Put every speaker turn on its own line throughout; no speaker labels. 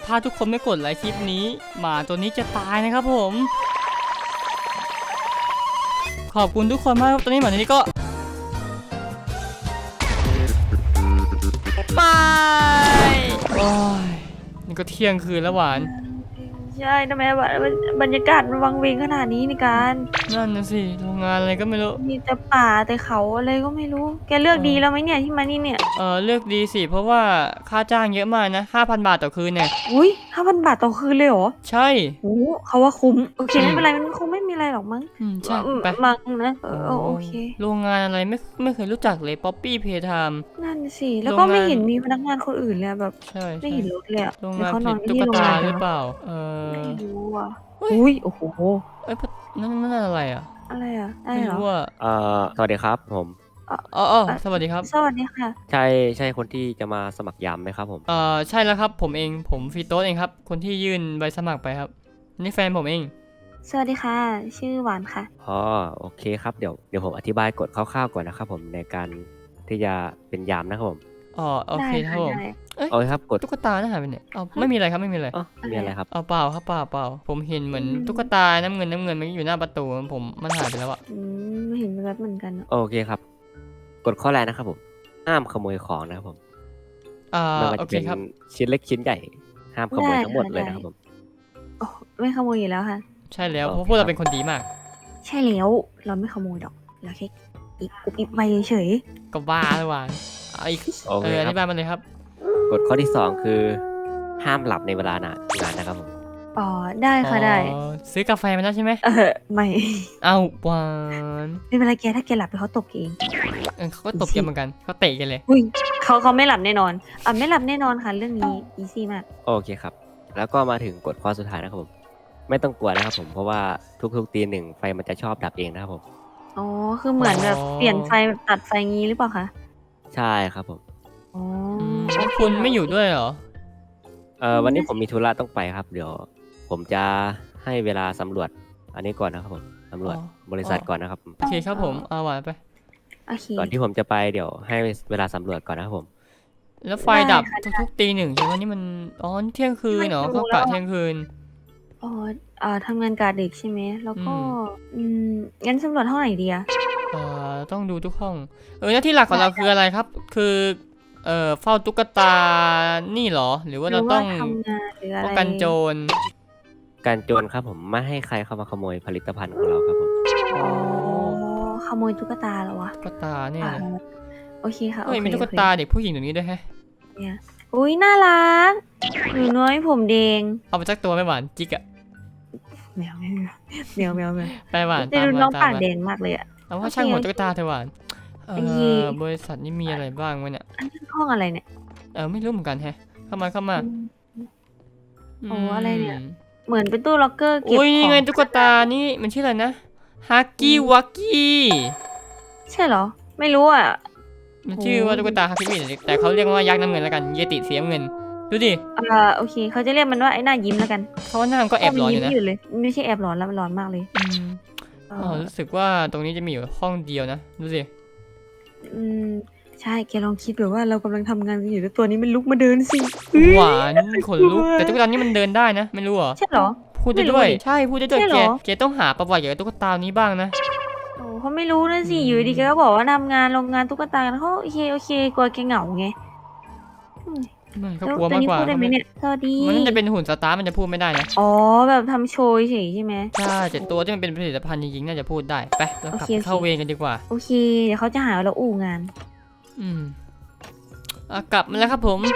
ถ้าทุกคนไม่กดไลค์คลิปนี้หมาตัวนี้จะตายนะครับผมขอบคุณทุกคนมากครับตอนนี้หมาตัวนี้ก็ไม่โอ้ยนี่ก็เที่ยงคืนแล้วหวาน
ใช่ทำไมบรรยากาศมันวังเวงขนาดนี้ในการ
นั่นนะสิโรงงานอะไรก็ไม่รู้
มีแต่ป่าแต่เขาอะไรก็ไม่รู้แกเลือกดีแล้วไหมเนี่ยที่มานี่เนี่ย
เลือกดีสิเพราะว่าค่าจ้างเยอะมากนะ 5,000 บาทต่อคืนเนี่ย
อุ้ย5,000 บาทต่อคืนเลยเหรอ
ใช่
โอ้เขาว่าคุ้มโอเคไม่เป็นไรมันคงไม่มีอะไรหรอกมั้ง
ใช่ไป
มั้งนะโอเค
โรงงานอะไรไม่เคยรู้จักเลยป๊อปปี้เพย์ไทม์
นั่นสิแล้วก็ไม่เห็นมีพนักงานคนอื่นเลยแบบ
ใช่
ไม่เห็นรถเลย
โรง
หรือ
งาน
เขานอน
ตุ๊ก
ที่โรง
ตาง
าน
หรือเปล่า
ไม่รู้อ่ะอุ้ยโอ้โห
เอ้ยนั่นอะไรอ่ะ
อะไรอ่ะ
ไม่รู้อ่ะ
สวัสดีครับผม
สวัสดีครับ
สวัสดีค่ะ
ใช่คนที่จะมาสมัครยามไหมครับผม
ใช่แล้วครับผมเองผมฟีโต้เองครับคนที่ยื่นใบสมัครไปครับนี่แฟนผมเอง
สวัสดีค่ะชื่อหวานค่ะ
โอเคครับเดี๋ยวผมอธิบายกฎคร่าวๆก่อนนะครับผมในการที่จะเป็นยามนะครับผม
โอเคครับผม
โอเคครับกฎ
ตุ๊กตาหายไปไหนไม่มีอะไรครับไม่มีอะไร
มีอะไรครับ
เปล่าครับเปล่าผมเห็นเหมือนตุ๊กตาน้ำเงินมันอยู่หน้าประตูผมมันหายไปแล้วอ่ะ
ไม่เห็นแบบเหมือนกัน
โอเคครับกฎข้อแรกนะครับผมห้ามขโมยของนะครับผมไม่ว่าจะเป็นชิ้นเล็กชิ้นใหญ่ห้ามขโมยทั้งหมดเลยนะครับผม
ไม่ขโมยอยู่แล้วค่ะ
ใช่แล้วเพราะพวกเราเป็นคนดีมาก
ใช่แล้วเราไม่ขโมยดอกเราแค่อิบไปเฉย
ก็บ้าเลยว่ะอีกอธิบายมาเลยครับ
กฎข้อที่2คือห้ามหลับในเวลางานนะครับผม
ได้ค่ะได้
ซื้อกาแฟมาแล้วใช่ไหม
ไม่
หวาน
ไม่เป็นไรแกถ้าแกหลับไปเขาตบเอง
เขาก็ตบกันเหมือนกันเขาเตะกันเลย
เขาไม่หลับแน่นอนไม่หลับแน่นอนค่ะเรื่องนี้อีซี่มาก
โอเคครับแล้วก็มาถึงกฎข้อสุดท้ายนะครับผมไม่ต้องกลัวนะครับผมเพราะว่าทุกตีหนึ่งไฟมันจะชอบดับเองนะครับผม
คือเหมือนแบบเปลี่ยนไฟตัดไฟงี้หรือเปล่าคะ
ใช่ครับผม
คุณไม่อยู่ด้วยเหรอ
วันนี้ผมมีธุระต้องไปครับเดี๋ยวผมจะให้เวลาสำรวจอันนี้ก่อนนะครับผมสำรวจบริษัทก่อนนะครับ
โอเคครับผมหวานไป
ก่อนที่ผมจะไปเดี๋ยวให้เวลาสำรวจก่อนนะครับผม
แล้วไฟดับทุกตีหนึ่งใช่ไหมนี่มันเที่ยงคืนเนาะเขากะเที่ยงคืน
ทำงานกะดึกใช่ไหมแล้วก็งั้นสำรวจห้องไหนดีอะ
ต้องดูทุกห้องหน้าที่หลักของเราคืออะไรครับคือเฝ้าตุ๊กตานี่เหรอหรือว่าเราต้องป้องกันโจร
ครับผมไม่ให้ใครเข้ามาขโมยผลิตภัณฑ์ของเราครับผม
ขโมยตุ๊กตาเหรอวะ
ตุ๊กตาเนี่ย
โอเคค่ะ
มีตุ๊กตาเด็กผู้หญิงตรงนี้ด้วยแฮะ
เนี่ยอุ้ยน่ารักหนูน้อยผมแดง
เอาไปสักตัวไม่หวานจิกอะ
แมว
ไปหวาน
แต่ดูน้องปากแดงมากเลยอะ
เอาว่าช่างหัวตุ๊กตาเธอหวานบริษัทนี้มีอะไรบ้างวะเนี่ย
ห้องอะไรเนี่ย
ไม่รู้เหมือนกันแฮะเข้ามา
อะไรเนี่ยเหมือนเป็นตู้ล็อกเกอร์เก็บของ
นี่ไงตุ๊กตานี่มันชื่ออะไรนะฮักกี้วักกี้
ใช่เหรอไม่รู้อ่ะ
มันชื่อว่าตุ๊กตาฮักกี้แต่เขาเรียกว่ายักษ์น้ำเงินแล้วกันเยติสีน้ำเงินดูดิ
โอเคเขาจะเรียกมันว่าไอ้หน้ายิ้มแล้วกัน
เขาว่าหน้ามันก็แอบร้อนอยู่นะ
ไม่ใช่แอบร้อนแล้วมันร้อนมากเลย
รู้สึกว่าตรงนี้จะมีอยู่ห้องเดียวนะดูสิ
ใช่แกลองคิดแบบว่าเรากำลังทำงานกันอยู่แล้วตัวนี้มันลุกมาเดินสิ
หวานขนลุกแต่ตุ๊กตานี้มันเดินได้นะไม่รู้เหรอ
ใช่เหรอ
พูดได้ด้วยใช่พูดได้ด้วยแกต้องหาประวัติเกี่ยวกับตุ๊กตานี้บ้างนะ
เขาไม่รู้นะสิอยู่ดีแกก็บอกว่าทำงานโรงงานตุ๊กตาเขาโอเคกลัวแกเหงาไง
ไม่เขากลัวมากกว่า
สวัสดี
มันจะเป็นหุ่นสตาร์มันจะพูดไม่ได้นะ
แบบทำโชว์เฉยใช่ไหม
ใช่แต่ตัวที่มันเป็นผลิตภัณฑ์จริงๆน่าจะพูดได้ไปเรากลับเข้าเวรกันดีกว่า
โอเคเดี๋ยวเขาจะหาเราอู่งาน
กลับมาแล้วครับผม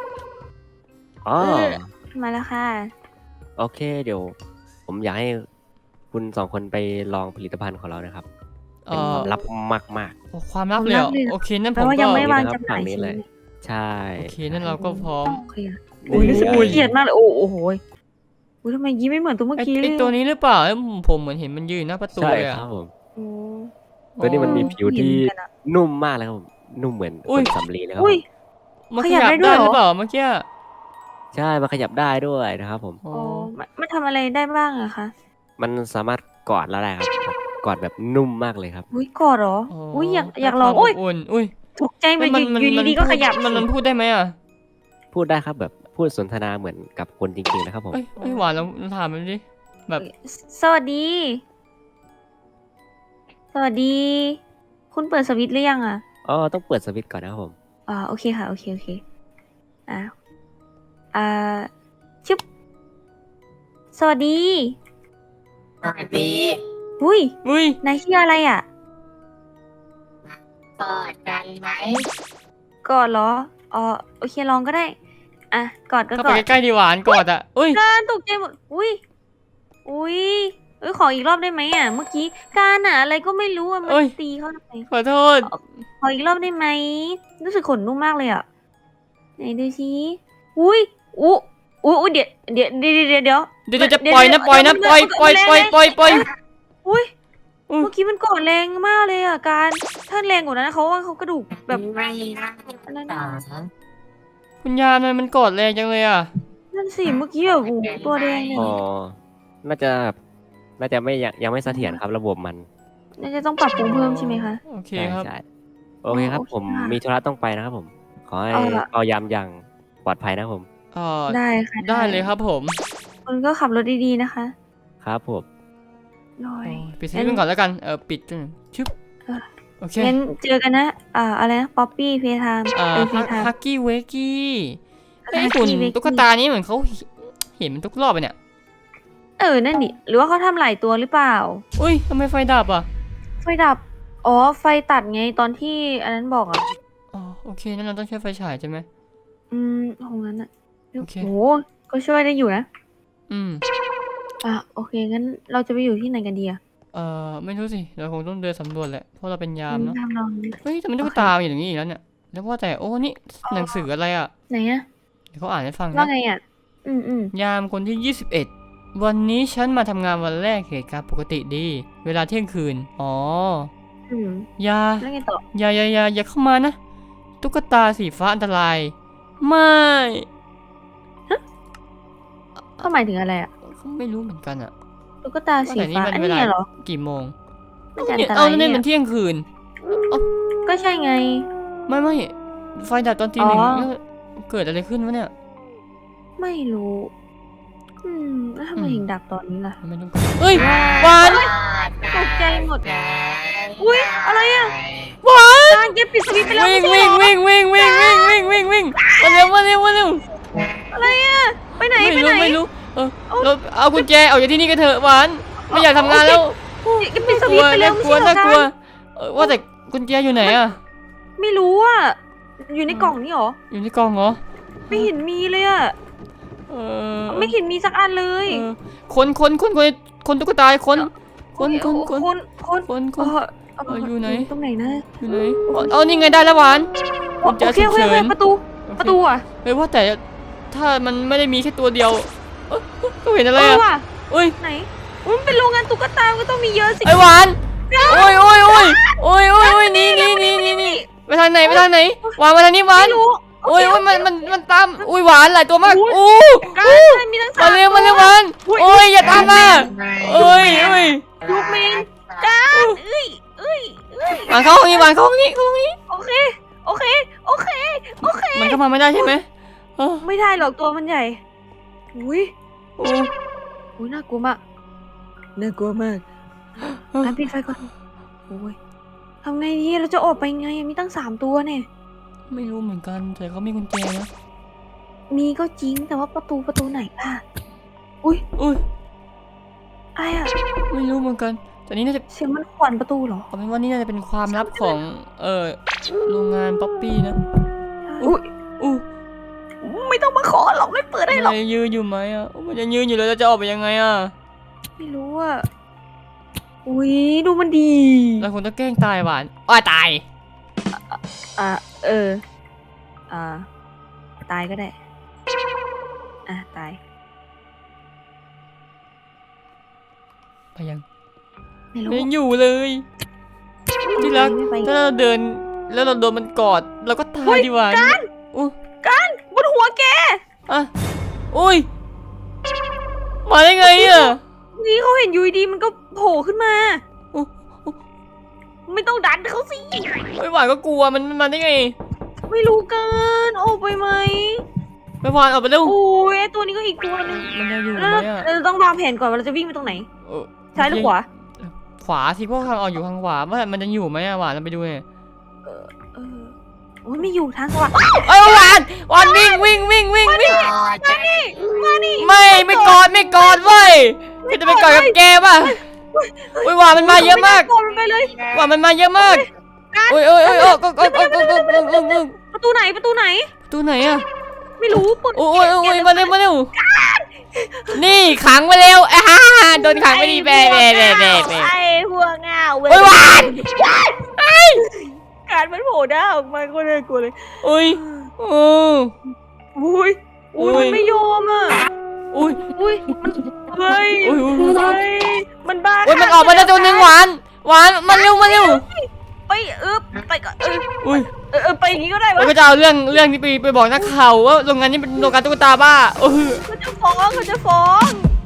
มาแล้วค่ะ
โอเคเดี๋ยวผมอยากให้คุณ2 คนไปลองผลิตภัณฑ์ของเรานะครับเป็นความลับมาก
ความลับเลยโอเคนั่นผมก็
ยังไม่วางจำหน่าย
เลยใช่
โอเคนั่นเราก็พร้อม
รู้สึกเครียดมากเลยโอ้โหทำไมยิ้มไม่เหมือนตัวเมื่อกี้
ไอตัวนี้หรือเปล่าผมเหมือนเห็นมันยืนหน้าประตูเลย
ครับผมตัวนี้มันมีผิวที่นุ่มมากเลยครับผมนุ่มเหมือนคนสำลีเลยครับ
มันขยับได้หรือเปล่าเมื่อกี้
ใช่มันขยับได้ด้วยนะครับผม
มันทำอะไรได้บ้างอะคะ
มันสามารถกอดแล้วได้ครับกอดแบบนุ่มมากเลยครับ
กอดเหรออยากลองถูกใจไปอยู่ดีๆก็ขยับ
มันพูดได้ไหมอ่ะ
พูดได้ครับแบบพูพูดสนทนาเหมือนกับคนจริงๆนะครับผม
เอ้ยหวานเราถามมันดิแบบ
สวัสดี สวัสดี คุณเปิดสวิตช์หรือยังอ่ะ
อ๋อต้องเปิดสวิตช์ก่อนนะครับผม
โอเคค่ะ โอเค โอเค อ่าอ่าชึบสวัสดี
สวัสดี
อุ้ย
อุ้ย
นายชื่ออะไรอ่ะ
กอดกันไหม
กอดเหรอ โอเคลองก็ได้ อ่ะ กอดก็
เข้าก
อ
ไป
ด
ใกล้ๆดีหวานกอดอ่ะอุ้ย
การตกใจหมด อุ้ยขออีกรอบได้ไหมอ่ะ เมื่อกี้การอ่ะ อะไรก็ไม่รู้อ่ะ มันตีเขาทำไม
ขอโทษ
ขออีกรอบได้ไหม รู้สึกขนนุ่มมากเลยอ่ะ ไหนดูสิอุ้ยเดี๋ยว
เดี๋ยวจะปล่อยนะปล่อยนะปล่อย
อุ้ย
อืม
เมื่อกี้มันกอดแรงมากเลยอ่ะการถ้าแรงกว่านั้นเขาว่าเขากระดูกแบบ
ไม่น่า
อันนั้น
ต่อ
อะ
คุณยามทำไมมันกอดแรงจังเลยอ่ะ
นั่นสิเมื่อกี้แบบโอ้โหตัวแดงเนี่ย
อ๋อ น่าจะไม่ยังไม่เสถียรครับระบบมัน
น่าจะต้องปรับปรุงเพิ่มใช่ไหมคะ
โอเค
ใช่
ครับ
ใช่โอเคครับ
โอเค
ผม
ค่ะ
มีธุระต้องไปนะครับผม ขอให้
เอาล่ะ
เอายามอย่างปลอดภัยนะครับผม
ได้ค่ะ
ได้เลยครับผม
คุณก็ขับรถดีๆนะคะ
ครับผม
ลอย
ปิดสวิตช์กันก่อนแล้วกันปิดจนชึบ
เออ
โอเค
งั้นเจอกันนะ อะไรนะ ป๊อปปี้เพทามเพทาม
ฮักกี้เวกี้ไอ้
Huggy
หุ่น
Wuggy
ตุ๊กตานี้เหมือนเขาเห็นมันทุกรอบเลยเนี่ย
นั่นดิ หรือว่าเขาทำหลายตัวหรือเปล่า
อุ้ยทำไมไฟดับอ่ะ
ไฟดับ ไฟตัดไงตอนที่อันนั้นบอกอ่ะ
อ๋อโอเคนั่นเราต้องใช้ไฟฉายใช่ไหม
ของนั้นอ่ะ
โอเค
โหก็ช่วยได้อยู่นะ
อืม
โอเค งั้นเราจะไปอยู่ที่ไหนกันดีอะ
ไม่รู้สิเราคงต้องเดินสำรวจแหละเพราะเราเป็นยามเนาะ
ทำลอง
เฮ้ยแต่มันตุ๊กตาอยู่อย่างนี้อีกแล้วเนี่ยแล้วว่าแต่โอ้นี่หนังสืออะไรอ่ะ
ไหนอะ
เดี๋ยวเขาอ่านให้ฟัง
ว่า
นะ
ไงอะอืม
ยามคนที่ 21 วันนี้ฉันมาทำงานวันแรกเหตุการณ์ปกติดี เวลาเที่ยงคืนอ๋อ
อืม
อย่า
แล้วไงต่อ
อย่าเข้ามานะตุ๊กตาสีฟ้าอันตรายไม่
ก็หมายถึงอะไรอะ
ไม่รู้เหมือนกันอ่ะ
ตุ๊กตาสี
ว่าแต่นี่
ฟ้า
มัน
อัน
เวลา
นี้เหรอ
กี่โมง
ไม่จะอัน
เนี่ย
ต
เอา
ราย
เนี่ย
เนี่
มัน
ย
เที่ยงคืน
ก็ใช่ไง
ไม่ไฟดับตอนตีหนึ่ง
อ๋อ
แล้วเกิดอะไรขึ้นวะเนี่ย
ไม่รู้ แล้วทำไมถึงดับตอนนี้ล่ะ
ไม่รู้เฮ้ยวาน
ตกใจหมด
กัน
อุ๊ยอะไรอะ
วาน
การเก็บปิดสวิตช์ไปแล้ว
วิ่ง
ไม่ใช่
วิ่ง
เหรอ
วิ่งมาเร็ว
อะไรอะไปไหนไปไหน
ไม่รู้เราเอากุญแจออกจากที่นี่กันเถอะหวานไม่อยากทำงานแล้ว
เก็บปิดสวิตช์ไปแล้วไม่ใช่เหรอ
น่ากลัว
การ
ว่าแต่กุญแจอยู่ไหนอ่ะ
ไม่รู้อะอยู่ในกล่องนี่หรอ
อยู่ในกล่องเหรอ
ไม่เห็นมีเลยอะ
เออ
ไม่เห็นมีสักอันเลย
คนตุ๊กตาคนอยู่ไหน
ตรงไหนนะ
อยู่ไหนเอานี่ไงได้แล้วหวาน
โอเคโอเคประตูอ่ะ
เฮ้ยว่าแต่ถ้ามันไม่ได้มีแค่ตัวเดียวก็เห็นอะไร
ว่ะ
อุ้ย
ไหนมันเป็นโรงงานตุ๊กตาก็ต้องมีเยอะสิ
ไอหวานโอ้ยนี่ไปทางไหนวางไปทางนี้หวาน
ไม่รู้
โอ้ยมันตามอุ้ยหวานหลายตัวมากอู้
การมีทั้ง
มาเร็วหวานโอ้ยอย่าตามมาโอ้ย
ลูกเมนการ
หวานเข้าห้องนี้
โอเค
มันเข้ามาไม่ได้ใช่ไหม
ไม่ได้หรอกตัวมันใหญ่อุ้ย
โอ้
น่ากลัวมากการปิดไฟก่อนโอ้ยทำไงดีเราจะออกไปไงมีตั้ง3ตัวเนี่ย
ไม่รู้เหมือนกันแต่เขามีกุญแจนะ
มีก็จริงแต่ว่าประตูไหนล่ะอุ้ยอะไรอ่ะ
ไม่รู้เหมือนกันแต่นี้น่าจะ
เสียงมันขวัญประตูเหรอ
เอาเป็นว่านี่น่าจะเป็นความลับของโรงงานป๊อปปี้นะ
อุ้ย
อู้
ไม่ต้องมาขอหรอกไม่เปิดได้หรอก
มันยืนอยู่ไหมอ่ะมันจะยืนอยู่แล้วจะออกไปยังไงอ่ะ
ไม่รู้อ่ะอุ้ยดูมันดี
เราคงต้องแกล้งตายหวานตาย
ตายก็ได้ตาย
ไปยัง
ไม่รู้
ไม่อยู่เลยที่รัก
ไม่ไป
ถ้าเราเดินแล้วเราโดนมันกอดเราก็ตายดีหวานอู้
บนหัวแก
อุ้ยมาได้ไงอ่ะ
นี่เขาเห็นอยูดีๆมันก็โผล่ขึ้นมา
อู้
ไม่ต้องดันเขาสิ
ไม่หวานก็กลัวมันมาได้ไง
ไม่รู้เกินออกไปไหม
ไปวานออกไปเร็ว
โอ้ยไอ้ตัวนี้ก็อีกตัวนึง
มันจะอยู่ไห
แล้ว
มอะ
เราต้องวางแผนก่อนว่าเราจะวิ่งไปตรงไหน
เออ
ซ้ายหรือขวา
ขวาสิพวกทางออกอยู่ทางขวามันจะอยู่ไหมอะหวานเราไปดูเลย
เออโอ้ยไม่อยู่ทางขวา
เอ้ยหวานวิ่ง
ต่อจะ
ไม่กอดเว้ยพี่จะไปกอดกับแกป่ะอุ้ยหวานมันมาเยอะมาก
มันไปเลย
หวานมันมาเยอะมากโอ้ยก็
ประตูไหน
ตัวไหนอะ
ไม่รู้เปิด
โอ้ยมาเร็วนี่ขังไปเร็วโดนขังไปดีแบ
ไอ้หัวเงาเว้ย
โอ้ยหวาน
การมันโผล่หน้าออกมาก็เลยกลัวเลย
อุ้ย
อุ้ยมันไม่ยอมอ่ะ
อุ้ย
มันเฮ้ยมันบ้า
โอ้ยมันออกมาได้ตัวหนึ่งหวานมาเร็ว
ไปไปก่อน
อุ้ย
ไปอย่างนี้ก็ได้
เรา
วะ
ก็จะเอาเรื่องที่ไปบอกนักข่าวว่าโรงงานนี้เป็นโรงงานตุ๊กตาบ้า
เขาจะฟ้อง